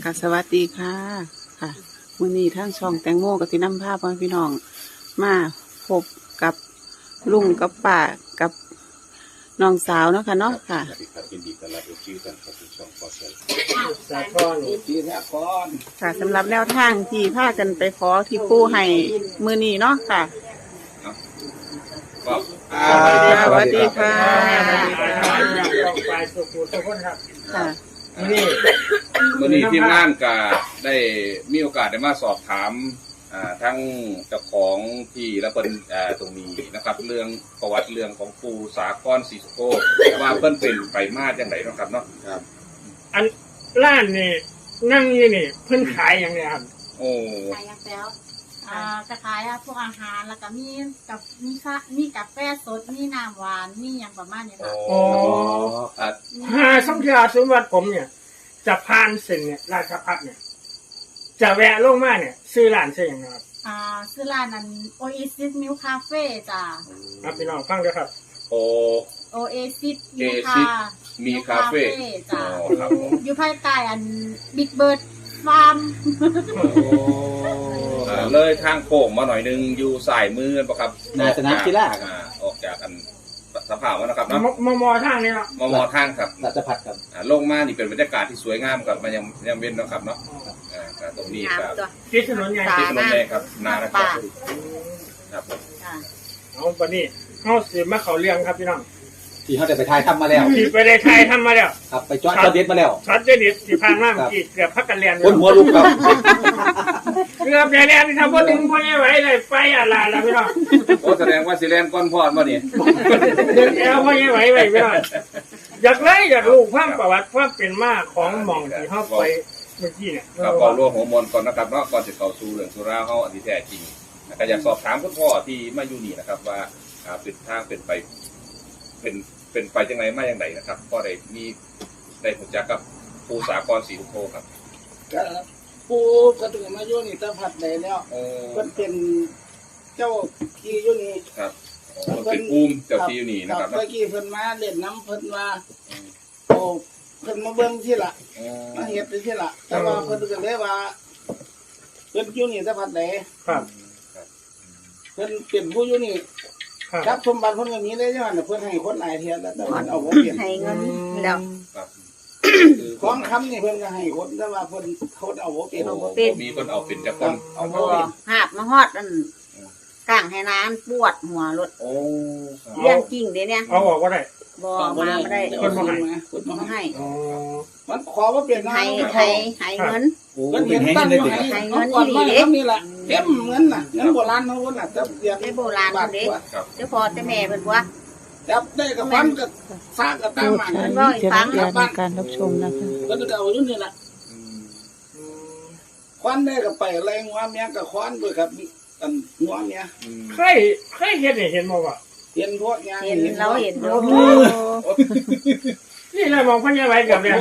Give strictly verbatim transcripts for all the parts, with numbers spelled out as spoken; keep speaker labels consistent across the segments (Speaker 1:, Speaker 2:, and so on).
Speaker 1: ค่ะสวัสดีค่ะค่ะมื้อนี้ทางช่องแตงโมกับที่นำภาพพี่น้องมาพบกับลุงกับป้ากับน้องสาวเนาะค่ะเนาะค่ะ
Speaker 2: สวัสดีครับยินดีต้อนรับทุกท่านเข้าสู่ช่องพอเซล
Speaker 3: สาคอนปีละคร
Speaker 1: ค่ะสำหรับแนวทางที่พากันไปขอที่ปู่ให้มื้อนี้เนาะค่ะ
Speaker 2: ก็
Speaker 1: สวัสดีค่ะ
Speaker 3: ต้องไปสุขุทุกคนครับ
Speaker 1: ค่ะ
Speaker 3: นี่
Speaker 2: วันนี้ทีมงานก็ได้มีโอกาสได้มาสอบถามอ่าทั้งเจ้าของที่และเป็นอ่าตรงนี้นะครับ เรื่องประวัติเรื่องของปูสาครศรีสุโขว่าเพิ่นเป็นไปมาจังไดเนาะครับเนาะครับ
Speaker 3: อันร้านนี่นั่งนี่นี่เพิ่นขายอย่างเนี้ยครับ
Speaker 2: โอ้
Speaker 4: ขายยาแป๊วอ่าจะขายพวกอาหารแล้วก็มีกับมีค่ะมีกาแฟสดมีน้ำหวานมีอย่างประมาณนี้ค่ะ
Speaker 3: โอ้
Speaker 2: อ่า
Speaker 3: หาสังขยาสมบัติผมเนี่ย จะผ่านเส้นเนี่ยราชพัฒเนี่ย จะแวะลงมาเนี่ย ซื้อร้านใช่ยังไงครับ
Speaker 4: อ่าซื้อร้านนั้น Oasis Milk Cafe จ้ะ
Speaker 3: ครับพี่น้องฟังด้วยครับ
Speaker 2: โอ้
Speaker 4: Oasis
Speaker 2: Oasis
Speaker 4: Milk
Speaker 2: มีคาเฟ่
Speaker 4: จ้ะ
Speaker 2: อ๋อครับผม
Speaker 4: อยู่ภายใต้อัน Big Bird Farm
Speaker 2: อ่าเลยทางโค้งมาหน่อยนึงอยู่สายมือปะครับ
Speaker 5: หน้าสนามกีฬาครับ
Speaker 2: อ่าออกจากอันสภาพวนะครับ
Speaker 3: ม
Speaker 2: เนาะ
Speaker 3: มมอทางนี้เนาะ
Speaker 2: มอมอทางครับ
Speaker 5: รัชพัฒน์ครับ
Speaker 2: อ่าลงมานี่เป็นบรรยากาศที่สวยงามครับมันยังยังเว้นเนาะครับเนาะอ่าก็ตรงนี้
Speaker 4: งาม
Speaker 2: ครับ
Speaker 4: ตัว
Speaker 3: ที่ถนนใหญ่
Speaker 4: สา
Speaker 2: ที่ถนนแดงครับนานะครับ
Speaker 4: ป่า
Speaker 2: ครับผม
Speaker 4: จ้ะ
Speaker 3: เอาปนี้เขาสืบมาเขาเรียงครับพี่น้อง
Speaker 5: ที่เขาได้ไปถ่ายทำมาแล้ว
Speaker 3: ที่ไปได้ไทยทำมาแล้ว
Speaker 5: ครับไปจอดจอดเด็ดมาแล้ว
Speaker 3: ช็อตเด็ดที่ผ่านมาเมื่อกี้เกือบพักกันเรียน
Speaker 5: คนหัวลุกครับ
Speaker 3: เกือบได้เรียนที่ทำว่าดึงพ่อใหญ่ไหวเลยไปอะไรล่ะพี่น้อง
Speaker 2: โอ้แสดงว่าสิแลนก้อนพอดมานี่
Speaker 3: เดินแอลพ่อใหญ่ไหวไปพี่น้องอยากเลยอยากรู้ความประวัติความเป็นมาของหม่องที่เขาไปเมื่อกี้เนี่ย
Speaker 2: ครับก่อนร่วมหัวมวลก่อนนะครับเนาะก่อนจะเข้าสู่เรื่องสุราเฮาอันที่แท้จริงก็อยากสอบถามคุณพ่อที่มาอยู่นี่นะครับ ว่าอ่าเป็นทางเป็นไปเป็นเป็นไปจังไงมาอย่างไรนะครับก็ได้มีได้รู้จักกับปูสากรศรีสุโขครับ
Speaker 6: ก็ปูกระตือมาอยู่นี่ตะพัดได้แล้ว
Speaker 2: โอ้
Speaker 6: เพิ่นเป็นเจ้าที่อยู่นี่
Speaker 2: ครับโอ้เป็นภูมิเจ้าที่อยู่นี่นะครับ
Speaker 6: เมื่
Speaker 2: เนาะ
Speaker 6: อกี้เพิ่นมาเล่นน้ำเพิ่นว่าโอ้เพิ่นมาเบิ่งที่ละ
Speaker 2: โอ้
Speaker 6: มาเฮ็ดที่ละแต่ว่าเพิ่นก็เลยว่าเพิ่นอยู่นี่ตะพัดได้
Speaker 3: ครับ
Speaker 6: เพิ่นเป็นผู้อยู่นี่
Speaker 3: ครับ
Speaker 6: ทรัพย์สมบัติเพิ่นก็มีได้ย้อนเพิ่นให้คนหลายเทียแล้วแต่เพิ่นเอาบ่เปลี่ยน
Speaker 1: ให้เงินแล้ว
Speaker 2: ครับคือ
Speaker 6: ของคำนี่เพิ่นก็ให้คนแต่ว่าเพิ่นคนเอาบ่เปลี่ยน
Speaker 1: เอา
Speaker 6: เอา
Speaker 1: บ่
Speaker 6: บ่
Speaker 1: เป็น
Speaker 2: มีคนเอาเป็นจักรคน
Speaker 6: เอา
Speaker 1: บ่
Speaker 6: บ่เปลี่ยน
Speaker 1: หาบมาฮอดอันกลางให้น้ำปวดหัวรถ
Speaker 2: โอ้ครับ
Speaker 1: เรื่องจริงเด้เนี่ย
Speaker 3: เอาออกก็ได้
Speaker 1: บ่มาไม่ได้
Speaker 6: คนบ่ให้คนบ่
Speaker 1: มา
Speaker 6: ให้
Speaker 1: ให้
Speaker 3: อ๋อ
Speaker 6: มันขอบ่เปลี่ยนนะ
Speaker 1: ให้ให้ให้เงิน
Speaker 5: โอ้
Speaker 6: เพิ่น
Speaker 5: เป็
Speaker 6: เห็
Speaker 5: น
Speaker 6: น
Speaker 5: ให้
Speaker 6: ตั้ง
Speaker 5: ได้
Speaker 6: อยู่
Speaker 5: เด็ด
Speaker 6: ให้
Speaker 1: ให้เงิ
Speaker 6: เงิ
Speaker 1: น
Speaker 6: นก่อน
Speaker 1: ดี
Speaker 6: มา
Speaker 1: เด้
Speaker 6: นี่แหละเต็มเงินน่ะเงินโบราณเฮาน่ะจับเรียก
Speaker 1: ได้โบราณคนเด้
Speaker 2: ครับ
Speaker 1: เดี๋ยวพอแต่แม่เพิ่นว่า
Speaker 6: จับได้กับฟันก็ซากก็ตามมา
Speaker 1: เพิ่นว่าให้ฟัง
Speaker 6: กลับบ้าน
Speaker 1: การรับชมนะคะ
Speaker 6: เพิ่นก็เอาอยู่นี่ล่ะ
Speaker 2: อืม
Speaker 6: ควันได้ก็ไปอะไรงัวเมียก็ควันด้วยครับอันงัวเมีย
Speaker 2: อืม
Speaker 3: เคยเคยเห็นเห็นมาว่า
Speaker 6: เห็นพวกงาน
Speaker 1: เห็นเราเห็นดู
Speaker 3: นี่เรามองพ่อใหญ่ไหวเกือบเลย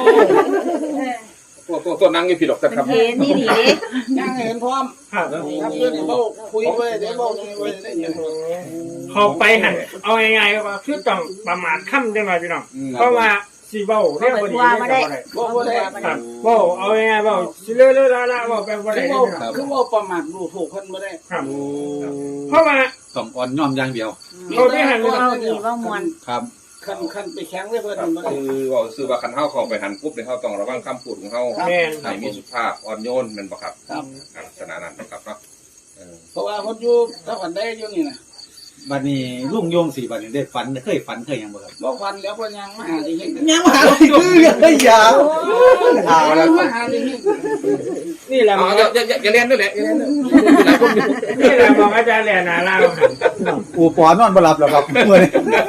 Speaker 2: ตัวตัวตัวนั่งอยู่ผิดหรอกแต่
Speaker 1: เป็น
Speaker 2: ครับ
Speaker 1: เห็นนี่ดีเด้
Speaker 6: ยังเห็นพร้อม
Speaker 3: ครับ
Speaker 6: ครับเพื่อนเบ้าคุยไปได้เบ้าไปได้ยิน
Speaker 3: เขาไปหันเอาง่ายๆว่าคือต้องประมาทค่ำได้ไหมพี่น้อง
Speaker 2: อืม
Speaker 3: เพราะว่าสีเบ้าเรียกว่าดี
Speaker 1: ว่ามาได้
Speaker 6: บ่บ่ได้
Speaker 3: ครับเบ้าเอาง่ายๆเบ้าสิเลื่อยๆละๆเบ้าไปบ่
Speaker 6: คื
Speaker 3: ได้
Speaker 6: อ
Speaker 3: พี่
Speaker 6: ว่า
Speaker 3: น้อง
Speaker 6: คือว่าประมาทดูถูกเพิ่นบ่ได้
Speaker 3: ครับ เพราะว่า
Speaker 5: ต้องอ่อนย่อมอย่างเดียว
Speaker 3: เขาได้หัน
Speaker 1: เว้าดีเว้ามวน
Speaker 5: ครับ
Speaker 6: คันคันไปแข็งเลยเพิ่นบ่ได้
Speaker 2: คือว่าซื้อว่าคันเฮาเข้าไปหันปุ๊บเนี่ยเฮาต้องระวังคำพูดของเฮา
Speaker 3: แม่น
Speaker 2: ให้มีสุภาพอ่อนโยนแม่นบ่ครับ
Speaker 6: ครับ
Speaker 2: ลักษณะนั้นนะครับเนาะเออ
Speaker 6: เพราะว่าเพิ่นอยู่ตะวันได้อยู่นี่น่ะ
Speaker 5: บัดนี้ลุงโยงสี่บัดนี้ได้ฝันเคยฝันเคยหยังบ่ครับ
Speaker 6: บ่ฟันแล้วเพิ่นยังมาหาที่เฮ็ด
Speaker 5: ยังมาหาคือเฮ้ยยาถาม
Speaker 6: มา
Speaker 5: แล้ว
Speaker 6: มาหาที่เฮ็ด
Speaker 3: นี่แหละม
Speaker 2: เอา
Speaker 3: อง
Speaker 2: อย่าอย่าอย่าเรียนด้วยแหละอย่าเรียนด้วย
Speaker 3: นี่แหละมองอาจารย์แหล่นาลาวหัน
Speaker 5: อูปอนอนบ่หลับแล้วครับเมื่อนี้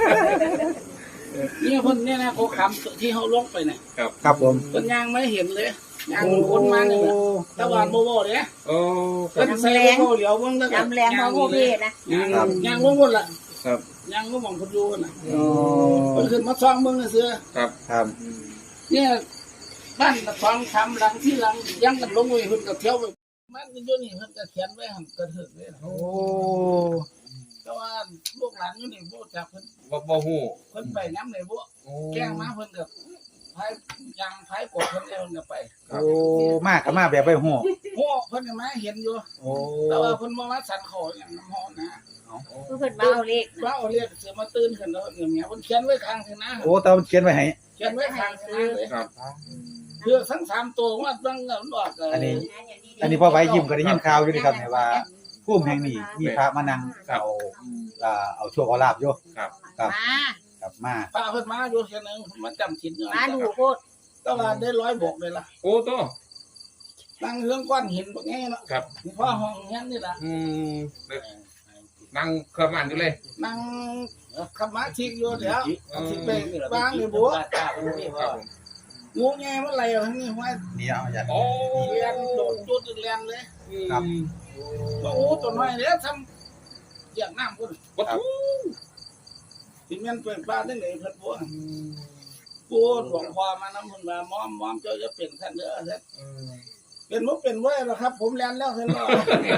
Speaker 6: นี่เพิ่นเนี่ยนะเขาคำที่เฮาลงไปน่ะ
Speaker 5: ครับผม
Speaker 6: เพิ่นยังไม่เห็นเลยยังคนมานี่แหละแต่ว่าบ่บ่เด้
Speaker 2: โอ้
Speaker 6: เพิ่นใส่บ่เหลียวเบิ่งแล้วก็
Speaker 1: จำแรงมาโมเพนะ
Speaker 6: ยังยังบ่หมดล่ะ
Speaker 2: ครับ
Speaker 6: ยังบ่มองเพิ่นอยู่น่ะ
Speaker 5: อ๋อ
Speaker 6: เพิ่นขึ้นมาซ่องเบิ่งซื่อ
Speaker 2: ครับ
Speaker 5: ครับ
Speaker 6: เนี่ยบ้านตะฟังคำหลังที่หลังยังกันลงไว้เพิ่นก็เที่ยวไปมันอยู่นี่เพิ่นก็เขียนไว้หั่นก็ถึกเลย
Speaker 5: โอ้
Speaker 6: แต่ว่าลูกหลานอยู่นี่บ่จักเพิ่น
Speaker 2: บ่บ่ฮู้
Speaker 6: เพิ่นไปนำได้บ่
Speaker 2: โอ้
Speaker 6: แกล้งมาเพิ่นก็พายยางพายกดเพิ่นเดินไป
Speaker 5: โอ้มากก็มาแบบไปหัว
Speaker 6: โอ้เพิ่นก็มาเห็นอยู่
Speaker 5: โอ้
Speaker 6: แต่ว่าเพิ่นบ่มาสั่นคออย่างน้ำฮ้อนนะ
Speaker 4: คือเพิ่นมาเอาเลข
Speaker 6: ว่าเอาเรียกเสือมาตื่นขึ้นแล้วเนี่ยเนี่ยเพิ่นเขียนไว้ข้างเถนะ
Speaker 5: โอ้แต่มันเขียนไว้ให้
Speaker 6: เขียนไว้ข้างเถนะเลย
Speaker 2: ครับ
Speaker 6: เพื่อทั้งสามตัวว่าต้องเงินออก
Speaker 5: อันนี้ อันนี้พอไว้ยิ้มก็ได้ยินข่าวอยู่นี่ครับเนี่ยว่าภูมิแห่งนี้มีพระมานั่งเอาอ่าเอาโชคเอาลาภอยู่
Speaker 2: ครับ
Speaker 5: ครับ
Speaker 4: มา
Speaker 5: ครับมา
Speaker 6: พาเพิ่นมาอยู่เทียนึงมันจำศีลอยู่
Speaker 4: มาดูโคตร
Speaker 6: ก็ว่าได้ร้อยบกเลยล่ะ
Speaker 2: โอ้โต
Speaker 6: ตั้งเรื่องก้อนหินบ่แง่เนาะ
Speaker 2: ครับ
Speaker 6: นี่พ่อห้องเฮียนนี่ล่ะ
Speaker 2: อืมนั่งเครื่องมันอยู่เลย
Speaker 6: นั่งขมาชิกอยู่เดี๋ยวสิไปวางเลยบัว
Speaker 2: ครับผม
Speaker 6: งูแง่มันไหลทั้งนี้ห้วย
Speaker 5: นี่เอาอย่า
Speaker 2: โอ้
Speaker 6: เรียนโดดจุดเรียนเลย
Speaker 5: ครับ
Speaker 6: โอ้ตัวน้อยเด้ทำอย่างน้ำพุ่น
Speaker 2: วัตถุ
Speaker 6: สิแม่นเป็นปลาได้ไหนเพิ่นบัวกูหลวงพ่อมานำพุ่นว่ามอมมอมเจ้าจะเป็นท่านเด้อท่านเป็นบ่เป็นไว้แล้วครับ ผมเรียนแล้วเพิ่นว่า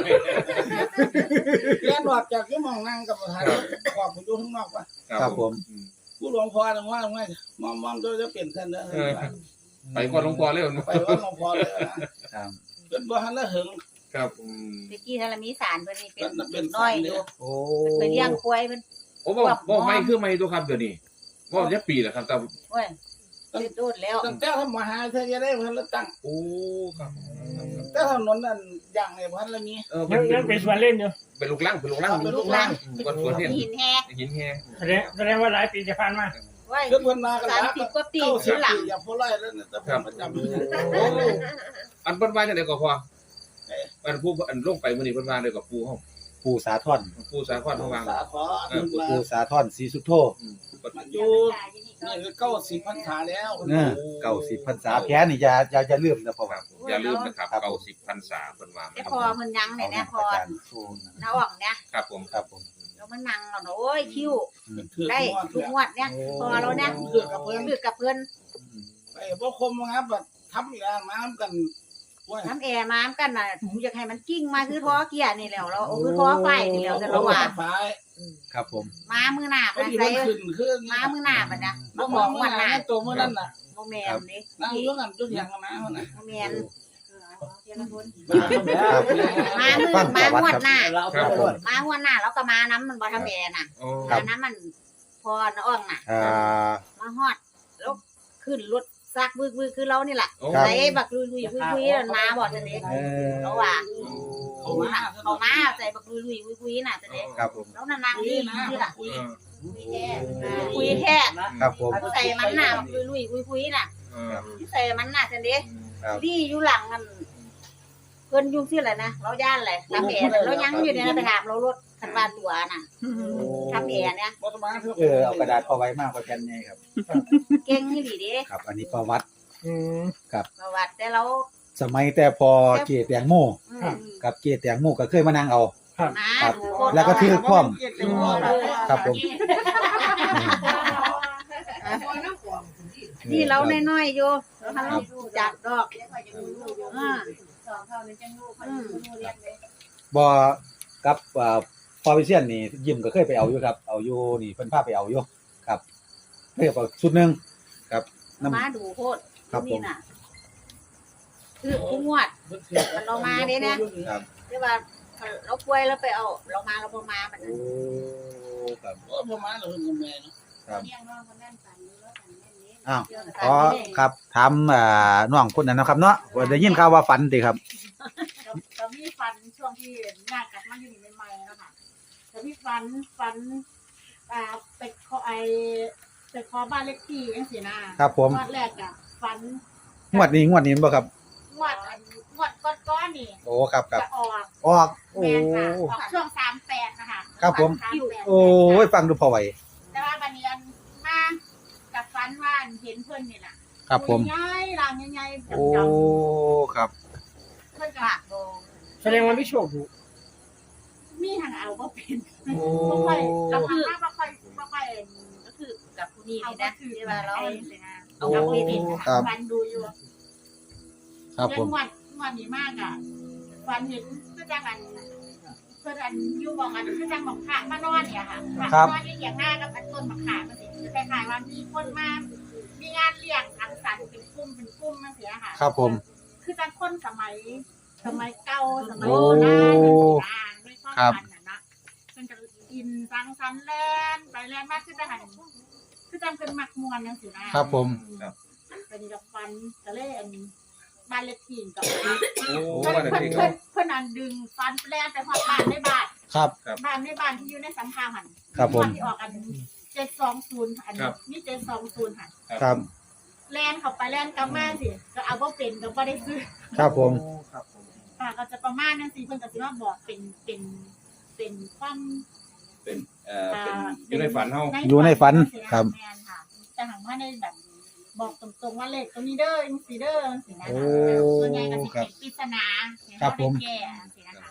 Speaker 6: เรียนออกจากที่มองนั่งกับประธานขอบผมอยู่ข้างนอกว่า
Speaker 5: ครับผม
Speaker 6: กูหลวงพ่อนึงว่าไงมอมมอมเจ้าจะเป็นท่านเด้อ
Speaker 2: ไปก่อนหลวงพ่อเลย
Speaker 6: ไปว่าหลวงพ่อเลยนะครับ เป็นบ่ทันละหึง
Speaker 2: ครับอืม
Speaker 4: ตะกี้ทารมีสารเพิ่นนี่เป็น
Speaker 6: เป็น
Speaker 4: น้อยอยู่
Speaker 5: โอ้
Speaker 4: เพิ่นไปเลี้ยงควายเพิ่น
Speaker 2: โอ้บอกบอกไม่คือไม่ตัวครับเดี๋ยวนี้บอกจะปีแล้วครับแต่
Speaker 4: โอ้ยติดโดดแล้ว
Speaker 6: ตั้งแต่ทำมหาเธอจะได้เพิ่นละตั้ง
Speaker 2: โอ้ครับ
Speaker 6: แต่ถนนนั่นอย่างในพันละมี
Speaker 2: เออ
Speaker 3: ยังยังเป็นส่วนเล่นอยู่
Speaker 2: เป็นลูกล่างเป็นลูกล่าง
Speaker 6: เป็นลูกล่าง
Speaker 2: ก้อนสวนเนี่ย
Speaker 4: หินแฮ
Speaker 2: หินแห้
Speaker 3: แสดงแสดงว่าหลายปีจะผ่านมา
Speaker 4: โอ้ย
Speaker 6: เพิ่นเพิ่นมากัน
Speaker 4: สาม
Speaker 6: แล้ว
Speaker 4: สิบกว่าปี
Speaker 6: เก้าสิ
Speaker 4: ขึ้
Speaker 6: บ
Speaker 4: นหลัง
Speaker 6: ปีอย่าพูดไล่แล้วเนี่ยแต่ผมประจำอยู่
Speaker 2: โอ้อันเปิ้นว่าจังได๋ก็พออันผู้อันลงไปมื้อนี้เพิ่นว่าเลยกับปู่เฮา
Speaker 5: ปู่สาธร
Speaker 2: ปู่สาครเฮาวาง
Speaker 6: สาขออันมา
Speaker 5: ปู่สาธรศรีสุโธ
Speaker 6: อยู่นี่คือเก้าสิบพรรษาแล้ว
Speaker 5: เออเก้าสิบพรรษาแพ้นี่อย่าอย่าอย่าลืมนะพ่อ
Speaker 2: ครับอย่าลืมนะครับเก้าสิบพรรษาเพิ่นว่า
Speaker 4: แต่พอเพิ่นยังเนี่ยนะพอ
Speaker 5: อาจารย์โชว์
Speaker 4: น้าอ่องเนี่ย
Speaker 2: ครับผม
Speaker 5: ครับผม
Speaker 4: แล้วมันนั่งแล้วโอ้ยคิ้ว
Speaker 6: ถือ
Speaker 4: ได้
Speaker 6: งวด
Speaker 4: ทุกงวดเนี่ยพอเราเนี่ย
Speaker 6: ถือกับเพิ่น
Speaker 4: คือกับเพิ่น
Speaker 6: ไปบ่คมครับแบบทำอีกแล้วมากันว่า
Speaker 4: น้ำแอร์มากันน่ะผมอยากให้มันกิ้งมาคือท้อเกียร์นี่แล้วเราเอาคือท้อไฟนี่แล้วแต่เราว่า
Speaker 6: ฝาย
Speaker 5: ครับผม
Speaker 4: มามือหน้า
Speaker 6: ก็
Speaker 4: มา
Speaker 6: ดี
Speaker 4: ใส่
Speaker 6: มันขึ้นขึ้น
Speaker 4: มามือหน้ามันนะ
Speaker 6: บ่
Speaker 4: มาบ
Speaker 6: มอ
Speaker 4: อง กวันหน้า
Speaker 6: ตัวมื้อนั้นน่ะ
Speaker 4: โมแมนนี่
Speaker 6: นั่งอยู่กันจุดอย่างกันนะเฮาน่ะ
Speaker 4: โมแมน
Speaker 5: ครับ
Speaker 4: มามือ
Speaker 5: ฟัง
Speaker 4: มา
Speaker 5: ประ
Speaker 4: ง
Speaker 5: วั
Speaker 4: ว
Speaker 5: ติ
Speaker 4: ด
Speaker 5: ครับ
Speaker 4: หน้า
Speaker 2: ครับผม
Speaker 4: มางวดหน้าแล้วก็มาน้ำมันบ่ทำแอร์น่ะ
Speaker 2: โอ้
Speaker 4: มาน้ำมันพอน้าอ่องน่ะ
Speaker 5: อ่า
Speaker 4: มาฮอดแล้วขึ้นรถซักบึกบึกคือเรานี่แหละ
Speaker 2: โอ้
Speaker 5: ครับ
Speaker 4: ใส่บักลุยลุยคุยคุยมาบอกจะเด็ก
Speaker 5: เออ
Speaker 4: เขาว่า
Speaker 6: เขามา
Speaker 4: เขามาใส่บักลุยลุยคุยคุยน่ะจะเด็ก
Speaker 5: ครับผม
Speaker 4: แล้วนาง
Speaker 6: คุย
Speaker 4: นี่
Speaker 6: นะ
Speaker 4: นี่ล่ะ
Speaker 6: คุย
Speaker 4: คุยแท้
Speaker 5: ครับผม
Speaker 4: ใส่มันน่ะบักลุยลุยคุยคุยน่ะ
Speaker 2: เออ
Speaker 4: ใส่มันน่ะจะเด็ก
Speaker 5: ครับ
Speaker 4: ที่อยู่หลังกันเพิ่นยุ่งที่อะไรนะเราย่านอะไรทำแอร์เรายังอยู่เนี่ยไปถามเรารถคันบ้านตัวน่ะทำแอร์เนี่ย
Speaker 6: บ่ต้องมาเถอะ
Speaker 5: เออเอากระดาษพอไว้มากกว่าแผ่นนี้ครับ
Speaker 4: เก่งนี่ดีเด้
Speaker 5: ครับ อันนี้ประวัติ
Speaker 3: อืม
Speaker 4: ประวัติแต่เรา
Speaker 5: สมัยแต่พอเกตแตงโม
Speaker 4: อืม
Speaker 5: กับเกตแตงโมก็เคยมานั่งเอา
Speaker 4: มา
Speaker 5: ครับ
Speaker 4: ดูคน
Speaker 5: แล้วก็ถือพร้อม ครับผม
Speaker 4: นี่เราน้อยๆอยู่เราทำจากดอกอ่าอืม
Speaker 5: บอกับเอ่อพอวิเชียนนี่ยิมก็เคยไปเอาอยู่ครับ เอาอยู่นี่เพิ่นพาไปเอาอยู่ครับเรียกว่าชุดหนึงครับน้ำ
Speaker 4: มาดูโคตร
Speaker 5: ครับผม
Speaker 4: นี่น่ะคือผู้งวด เรามาเด้นะ
Speaker 5: ครับ
Speaker 4: เรียกว่าเราป่วยแล้วไปเอา เรามาเราบ่มามัน
Speaker 5: โอ้ครับ
Speaker 6: บ่บ่มาแล้วเพิ่นก็แม่เนาะ
Speaker 5: ครับ
Speaker 4: เลี้ยงน้องคนนั้นฝันอยู่แล้วฝันแม่นนี้
Speaker 5: อ้าว
Speaker 4: เดี๋ยวจะ
Speaker 5: ขอครับถามอ่าน้องคนนั้นนะครับเนาะว่าได้ยินข่าวว่าฝันติครับ
Speaker 4: ก็มีฟันช่วงที่หน้ากลับมาอยู่นี่ใหม่ๆแล้วค่ะแต่มีฟันฟันอ่าไปขอไอไปขอบ้านเลขที่จังซี่นะครับ
Speaker 5: ผม
Speaker 4: งวดแรกอ่ะฟัน
Speaker 5: งวดนี้งวดนี้บ่ครับ
Speaker 4: งวดอันงวดก้อนๆนี่
Speaker 5: โอ้ครับครับ
Speaker 4: จะออก
Speaker 5: ออกโอ้
Speaker 4: แม่นค่ะออกช่วงสามแปดนะคะ
Speaker 5: ครับผม
Speaker 4: สาแปด
Speaker 5: โอ้ยฟังดูพอไหว
Speaker 4: แต่ว่าบันเนียนมากับฟันว่าเห็นเพื่อนนี่แหละ
Speaker 5: ครับผม
Speaker 4: ใหญ่ๆร่างใหญ่ๆ
Speaker 5: โอ้
Speaker 4: ดำ
Speaker 5: ครับ
Speaker 4: ๆเพื่อนก็โด
Speaker 3: แสดงว่าไม่โชคอยู่
Speaker 4: มีทางเอาบ่เป็น
Speaker 5: โอ้
Speaker 4: บ่ค่อยเราคือบ่ค่อยบ่ค่อยก็คือกับผู้นี้นี่นะที่ว่าเราเอาเอาไปเป็นฟันดูอยู่
Speaker 5: ครับผม
Speaker 4: เรื่องวันวันนี้มากอ่ะฟันเห็นก็จังอันเพื่อนอันอยู่บอกอันก็จังบอกขามานอนเนี่ยค่ะนอนเลี้ยงหน้ากับต้นมะขามมันสิคล้ายๆว่ามีคนมามีงานเลี้ยงสังสรรค์นเป็นกลุ่มเป็นกลุ่มนั่นเสียค่ะ
Speaker 5: ครับผม
Speaker 4: คือจังคนสมัย สมัยเก่าสมัย
Speaker 5: โอ้
Speaker 4: โบราณนั่นสินะด้วยความ
Speaker 5: ครับ
Speaker 4: ฝันน่ะนะมันจะกินสังสรรค์แลนไปแลนมากขึ้นได้หันคือจังเป็นมักมวนนั่นสินะครับ
Speaker 5: ผม
Speaker 2: ครับ
Speaker 4: เป็นกับฟันกระเล่นบ้านเล็กที่กับ
Speaker 2: โอ้
Speaker 4: เพื่อน
Speaker 2: ว่าแต่
Speaker 4: เพื่อน
Speaker 2: ที่
Speaker 4: เพื่อนเพื่อนอันดึงฟันแลนไปหอดบ้านในบ้าน
Speaker 5: ครับ
Speaker 4: บ้านในบ้านที่อยู่ในสันทางหัน
Speaker 5: ครับผม
Speaker 4: บ้านที่ออกอันเจ็ดสองศูนย์อันนี้เจ็ดสองศูนย์หัน
Speaker 5: ครับ
Speaker 4: แลนเข้าไปแลนกลับมาสิก็เอาว่าเป็นก็บ่ได้ซื้อ
Speaker 5: ครับผม
Speaker 4: ค่ะก็จะประมาณนั้นสิเพิ่นก็สิมาบอกเป็นเป็นเป็นความ
Speaker 2: เป็นเอ่อเป็นอยู่ในฝันเฮา
Speaker 5: อยู่ในฝันครับ
Speaker 4: แม่นค่ะแต่หังว่าในแบบบอกตรงๆว่าเลขตัวนี้เด้อจังซี่เด้อจังซี่นะ
Speaker 5: โอ้
Speaker 4: ส่วนใหญ่ก็สิ
Speaker 5: ครั
Speaker 4: เป็
Speaker 5: บ
Speaker 4: นปริศนา
Speaker 5: ครับผม
Speaker 4: แก้จังซี่นะคะ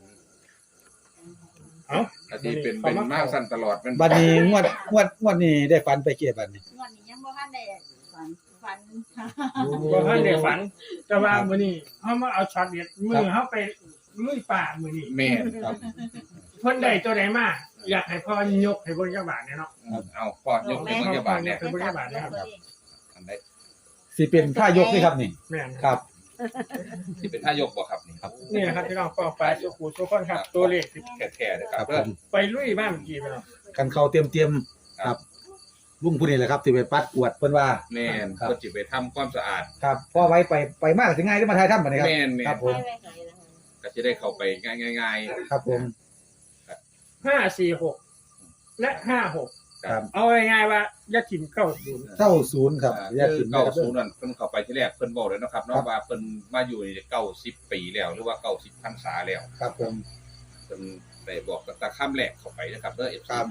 Speaker 3: เอ้า
Speaker 2: อาทิเป็นเป็นมากสั้นตลอดเป็น
Speaker 5: บัดนี้งวดงวดงวดนี้ได้ฝันไปเก็บบัดนี้
Speaker 4: งวดนี้ยังบ่ทันได้ฝันฝัน
Speaker 3: บ่ทันได้ฝันแต่ว่ามื้อนี้เฮามาเอาช็อตเด็ดมือเฮาไปลุยป่ามื้อนี้
Speaker 2: แม่น
Speaker 5: ครับ
Speaker 3: เพิ่นได้ตัวใดมาอยากให้พ่อยกให้เบิ่งจักบาทเนี่ยเนาะ
Speaker 2: เอาพ่อยกเป็นพยาบาลเนี่ย
Speaker 3: เป็นพยาบาลนะครับ
Speaker 2: อันใด
Speaker 5: สิเป็นท่ายกนี่ครับนี่
Speaker 3: แม่น
Speaker 5: ครับ
Speaker 2: ที่เป็นท่ายกบ่ครับนี่ครับ
Speaker 3: นี่นะครับพี่น้องปองปลายสุขุสุขคนครับ ตัวเลขที่
Speaker 2: แท้ๆนะค
Speaker 5: ค
Speaker 2: รั
Speaker 5: รั
Speaker 2: บบ
Speaker 5: ผ
Speaker 2: เด้อ
Speaker 5: ม
Speaker 3: ไปลุยบ้านเมื่อกี้ไปเนาะ
Speaker 5: กันเข้าเตรียมเตรียมๆครับลุงผู้นี้แหละครับที่ไปปัดกวดเพิ่นว่า
Speaker 2: แม่น
Speaker 5: ครับ
Speaker 2: เพิ่นสิไปทำความสะอาด
Speaker 5: ครับพอไว้ไปไปมากสิง่ายได้มาทายถ้ำบัดนี้ครับ
Speaker 2: แม่นแม่
Speaker 5: ครั
Speaker 2: น
Speaker 5: บผม
Speaker 2: ก็สิได้เข้าไปง่ายๆ
Speaker 5: ครับผม
Speaker 3: ห้าสี่หกและห้าหก
Speaker 5: ครับ
Speaker 3: เอาง่ายๆว่าอย่าถิ่มเก้าศูนย์
Speaker 5: เก้าศูนย์ครับ
Speaker 2: อ่า
Speaker 5: แยก
Speaker 2: คื
Speaker 5: กิ
Speaker 2: อน
Speaker 5: นะ
Speaker 2: เก้า
Speaker 5: ครับ
Speaker 2: ศูนย์นั่นเพิ่นเข้าไปที่แรกเพิ่นบอกเลยนะครับ
Speaker 5: ครั
Speaker 2: เนาะ
Speaker 5: บ
Speaker 2: ว่าเพิ่นมาอยู่นี่เก้าสิบปีแล้วหรือว่าเก้าสิบพรรษาแล้ว
Speaker 5: ครับผม
Speaker 2: เพิ่นได้บอกตั้งแต่ค่ำแรกเข้าไปนะครับเด้อ เอฟ ซี
Speaker 5: ครับ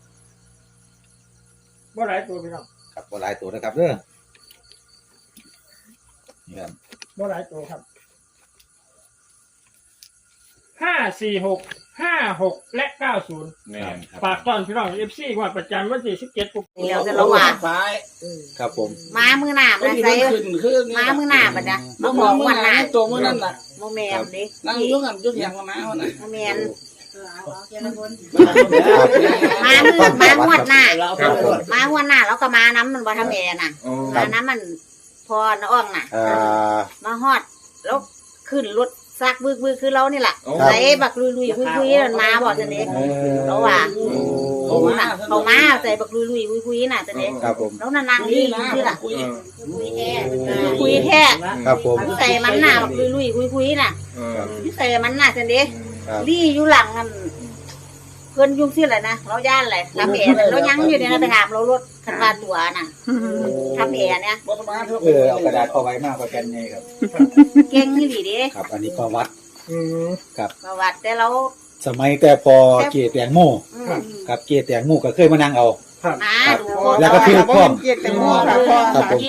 Speaker 3: บ่หลายตัวพี่น้อง
Speaker 5: ครับบ่หลายตัวนะครับเด้อนี่ครับ
Speaker 3: บ่หลายตัวครับห้าสี่หกห้าหกและเก้าศูนย์
Speaker 2: แม่นครับ
Speaker 3: ฝากตอนพี่น้องเอฟซีงวดประจำวันที่สิบเจ็ดปุ๊บ
Speaker 7: เดี๋ยวจะระหว่าง
Speaker 6: ซ้าย
Speaker 5: ครับผม
Speaker 7: ม้ามือหน้า
Speaker 6: ไอ้
Speaker 7: มา
Speaker 6: ที่
Speaker 7: ใส่
Speaker 6: มันขึ้นขึ้น
Speaker 7: ม้ามือหน้าบัดนะ
Speaker 6: มั
Speaker 7: มาน บบ อ
Speaker 6: อก ก
Speaker 7: วั
Speaker 6: ว่าน
Speaker 7: หน้า
Speaker 6: ตัวมือนั่นน่ะ
Speaker 7: โมแมนดิ
Speaker 6: นั่งอยุ่งกันยุ่งอย่างกับม้าเขาน่ะ
Speaker 7: โมแมน
Speaker 5: ครับ
Speaker 7: ม้ามือม้างวดหน้า
Speaker 2: ครับผม
Speaker 7: ม้างวดหน้าแล้วก็ม้าน้ำมันบ่ทำแอน่ะ
Speaker 2: โอ้
Speaker 7: ม้าน้ำมันพอน้อ่องน่ะ
Speaker 5: อ่า
Speaker 7: มาฮอดแล้วขึ้นรถซักบึกบึกคือเรานี่แหละ
Speaker 2: โอ้
Speaker 7: ใส่บักลุยลุยคุยคุยนั่นมาบอกจะเด็กเราว่าเขาน่ะเขามาใส่บักลุยลุยคุยคุยน่ะจะเด็ก
Speaker 5: ครับผม
Speaker 7: แล้วนั่นนางนี่คือล่ะ
Speaker 2: เออ
Speaker 7: คุยแท้
Speaker 5: ครับผม
Speaker 7: ใส่มันหน้าบักลุยลุยคุยคุยน่ะ
Speaker 2: เออ
Speaker 7: ใส่มันน่ะจะเด็ก
Speaker 5: ครับ
Speaker 7: ลี่อยู่หลังนั่นเพิ่นยุ่งสิแหละนะเราย่านแหละทำแอร์เรายังอยู่เนี่ยนะไปถามเรารถคันว่าตัวน่ะทำแอร์เนี่ย
Speaker 6: บอสมาเถอะ
Speaker 5: เออเอากระดาษเข้าไว้มากกว่ากันไงครับ
Speaker 7: เก่งนี่หลีเด้
Speaker 5: ครับ อันนี้ประวัติ
Speaker 3: อืม
Speaker 7: ประวัติแต่เรา
Speaker 5: สมัยแต่พอเกตแตงโม
Speaker 7: อืม
Speaker 5: กับเกตแตงโมก็เคยมานั่งเอา
Speaker 3: ครับ
Speaker 7: มา
Speaker 5: ครับ
Speaker 7: ดูคน
Speaker 5: แล้วก็คือพร้อม
Speaker 1: เกียรติแตงโมค่ะพ่อ
Speaker 5: ครับผม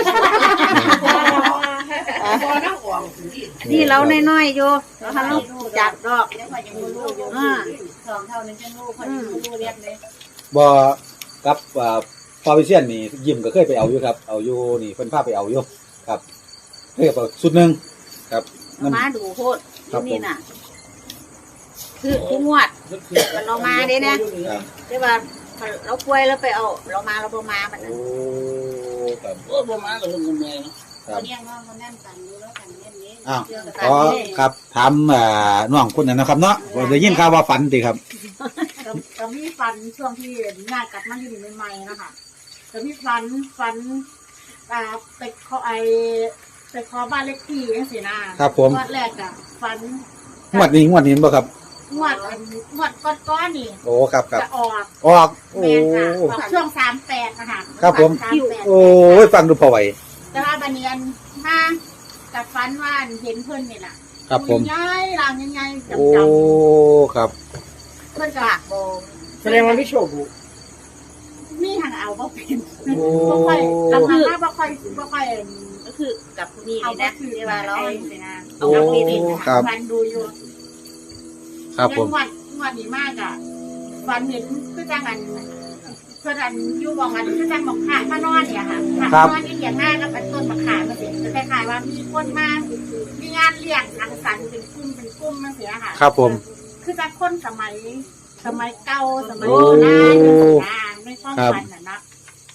Speaker 7: นี่เราน้อยๆอยู่เราทำลูกจักดอกอ่า
Speaker 4: สองเท่านึงจังลูกคนลูกเรียกเลย
Speaker 5: บ่กับอ่าฟาวิเชียนนี่ยิมก็เคยไปเอาอยู่ครับ เอาอยู่นี่เพิ่นพาไปเอาอยู่ครับเคยเอาสุดหนึงครับมัน
Speaker 7: มาดูโคตร
Speaker 5: ครับ
Speaker 7: นี่น่ะ คือทุกงวดเรามาเด้เนี่ย
Speaker 5: ครับ
Speaker 7: แต่ว่าเราป่วยแล้วไปเอา เรามาเราบ่มาบัดนั้
Speaker 5: โอ้
Speaker 7: น
Speaker 5: ครับ
Speaker 6: โอ้บอมาเลยคุณแม่
Speaker 5: ครับ
Speaker 4: เรียกว่ามันนั่นกันดูแล้วกันเน้นนี้
Speaker 5: อ้าวขอครับถามอ่าน้องคนนั้นนะครับเนาะว่าได้ยินข่าวว่าฝันติครับ
Speaker 4: ก็มีฟันช่วงที่งานกลับมาอยู่ใหม่ๆนะคะก็มีฟันฟันอ่าไปขอไอไปขอบ้านเลขที่จังซี่นะครับ
Speaker 5: ผม
Speaker 4: งวดแรกอะฟัน
Speaker 5: งวดนี้งวดนี้บ่ครับ
Speaker 4: งวดอันงวดก้อนๆนี่
Speaker 5: โอ้ครับครับ
Speaker 4: จะออก
Speaker 5: ออกโอ้
Speaker 4: แม่นค่ะออกช่วงสามแปดนะคะ
Speaker 5: ครับผม
Speaker 4: สามแปด
Speaker 5: โอ้ยฟังดูพอไหว
Speaker 4: แต่ว่าบันเนียนมากับฟันว่าเห็นเพื่อนนี่แหละ
Speaker 5: ครับผม
Speaker 4: ย้ายรางยังไงจำ
Speaker 5: โอ้
Speaker 4: จ
Speaker 5: ครับ
Speaker 4: ำเพื่อนก็
Speaker 7: โบ
Speaker 3: แสดงว่าไม่โชคบุ
Speaker 4: มีทางเอาบ่เป็น
Speaker 5: โอ้
Speaker 4: บ่ค่อยลำพังว่าบ่ค่อยบ่ค่อย
Speaker 7: ก็คือกับผู้นี้
Speaker 4: เอา
Speaker 7: นี่
Speaker 4: บ่
Speaker 7: นะ
Speaker 4: คือ
Speaker 7: ที่ว่าเรา
Speaker 4: เองสินะ
Speaker 5: โอ้
Speaker 4: เอาบ่เป็น
Speaker 5: ครับ
Speaker 4: ฟันดูอยู่
Speaker 5: ครับผม
Speaker 4: งวดงวดนี้มากอ่ะฟันเห็นคือจังอันเพื่อนอันอยู่บอกอันคือจังบอกขามานอนเนี่ยค่ะขามานอนอย่างหน้ากับเป็นต้นมะขามมาสิจะคล้ายๆว่ามีคนมามีงานเลี้ยงสังสรรค์เป็นกลุ่มเป็นกลุ่มมาเสียค่ะ
Speaker 5: ครับผม
Speaker 4: คือจากคนสมัย สมัยเก่าสมัย
Speaker 5: โอ้
Speaker 4: โบราณนานไม่ความ
Speaker 5: ครับ
Speaker 4: ฝันน่ะนะ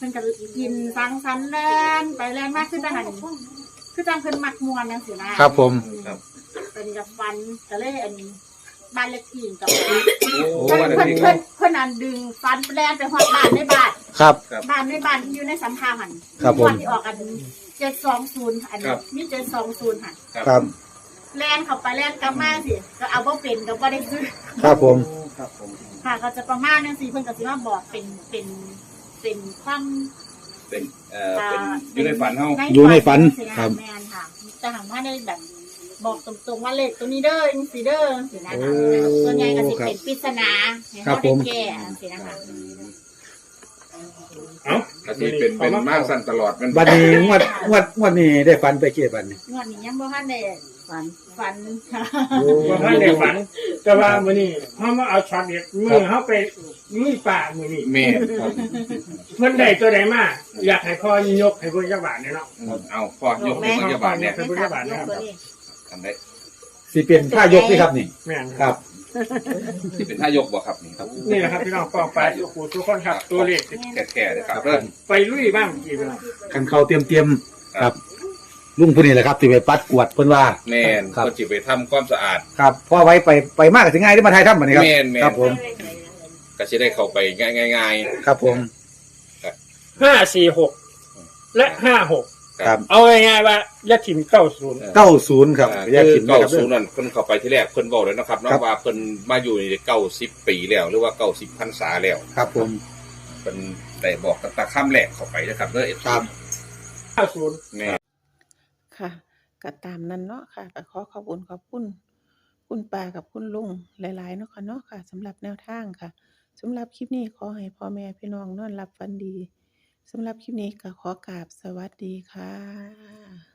Speaker 4: พิ่นก็กินสังสรรค์แล่นไปแล่นมากขึ้นจังหันคือจังเพิ่นมักม่วนจังซี่นะครับ
Speaker 5: ผม
Speaker 2: ครับ
Speaker 4: เป็นกับฟันก็เลยอันบ้านเลขที่กับ
Speaker 2: โอ้
Speaker 4: เพิ่น
Speaker 2: วัน
Speaker 4: เพิ่น
Speaker 2: นี้
Speaker 4: เพิ่นเพิ่นอันดึงฟันแล่นไปฮอดบ้านในบ้าน
Speaker 5: ครับ
Speaker 4: บ้านในบ้านที่อยู่ในสัมภาหัน
Speaker 5: ครับผม
Speaker 4: วันที่ออกอันเจ็ดสองศูนย์อันนี้มีเจ็ดสองศูนย์หัน
Speaker 5: ครับ
Speaker 4: แล่นเข้าไปแล่นกลับมาสิก็เอาบ่เป็นก็บ่ได้ซื้อ
Speaker 5: ครับผม
Speaker 6: ครับผม
Speaker 4: ค่ะก็จะประมาณนั้นสิเพิ่นก็สิมาบอกเป็นเป็นเป็นความ
Speaker 2: เป็นเอ่อเป็นอยู่ในฝันเฮา
Speaker 5: อยู่ในฝัน
Speaker 4: สิ
Speaker 5: ครับ
Speaker 4: แม่นค่ะแต่ถามว่าได้แบบบอกตรงๆว่าเลขตัวนี้เด้อจังซี่เด้อสินะคะ
Speaker 5: โอ้
Speaker 4: ส่วนใหญ่ก็สิ
Speaker 5: ครับ
Speaker 4: เป็นปริศนาให้
Speaker 5: ครั
Speaker 4: เขา
Speaker 5: บผ
Speaker 4: ได้
Speaker 5: ม
Speaker 4: แก้สินะคะ
Speaker 3: เอ้า
Speaker 2: ก็สิเป็นเป็นมากสั้นตลอดมัน
Speaker 5: บัดนี้งวดงวดงวดนี้ได้ฝันไปเกี่ยบัดนี้
Speaker 4: งวดนี้ยังบ่ทันได้ฝันฝันค่ะ
Speaker 3: ว่าท่านได้ฝันแต่ว่ามื้อนี้เฮามาเอาช็อตเด็ดมือเฮาไปลุยป่ามื้อนี้
Speaker 2: แม่นครับ
Speaker 3: เพิ่นได้ตัวใดมาอยากให้พ่อยกให้เพิ่นจักบาทเนี่ยเนาะ
Speaker 2: เอาพ่อยกให้พยาบาลเนี่ย
Speaker 3: เป็นพุทธบาทนะครับ
Speaker 2: ทำได้
Speaker 5: สิเป็นท่ายกนี่ครับนี่
Speaker 3: แม่น
Speaker 5: ครับ
Speaker 2: ที่เป็นท่ายกบ่ครับนี่ครับ
Speaker 3: นี่แหละครับพี่น้องปองไปทุกผู้ทุกคนครับตัวเลข
Speaker 2: แก่ๆเลยครับเริ่ม
Speaker 3: ไปลุยบ้างกี่พี่น้อง
Speaker 5: กันเข้าเตรียมเตรียมๆครับ ลุงผู้นี้แหละครับที่ไปปัดกวาดเพิ่นว่า
Speaker 2: แม่น
Speaker 5: ครับ
Speaker 2: ก็จิไปทำความสะอาด
Speaker 5: ครับพอไว้ไปไปมากก็สิง่ายที่มาไทยทำบัดนี้ครับ
Speaker 2: แม่นแม่น
Speaker 5: ครับผม
Speaker 2: ก็จะได้เข้าไปง่าย
Speaker 5: ครับผม
Speaker 3: ห้าสี่หกและห้าหก
Speaker 2: ๆ
Speaker 5: ครับ
Speaker 3: เอาง่ายๆว่ายัดถิ่มเก้าศูนย์
Speaker 5: เก้าศูนย์ครับ
Speaker 2: อ่า
Speaker 5: แยก
Speaker 2: คื
Speaker 5: กิ
Speaker 2: อน เก้า
Speaker 5: นะครับ
Speaker 2: ศูนย์นั่นเพิ่นเข้าไปที่แรกเพิ่นบอกเลยนะครับเนาะ
Speaker 5: ครับ
Speaker 2: ว่าเพิ่นมาอยู่ในเก้าสิบปีแล้วหรือว่าเก้าสิบพรรษาแล้ว
Speaker 5: ครับผม
Speaker 2: เพิ่นได้บอกตั้งแต่ข้ามแรกเข้าไปนะครับเด้อเอฟ
Speaker 5: ครับ
Speaker 3: เก้าศูนย์
Speaker 2: แม่
Speaker 1: ค่ะก็ตามนั้นเนาะค่ะก็ขอขอบคุณขอบคุณคุณป้ากับคุณลุงหลายๆเนาะค่ะเนาะค่ะสำหรับแนวทางค่ะสำหรับคลิปนี้ขอให้พ่อแม่พี่น้องนอนหลับฝันดีสำหรับคลิปนี้ก็ขอกราบสวัสดีค่ะ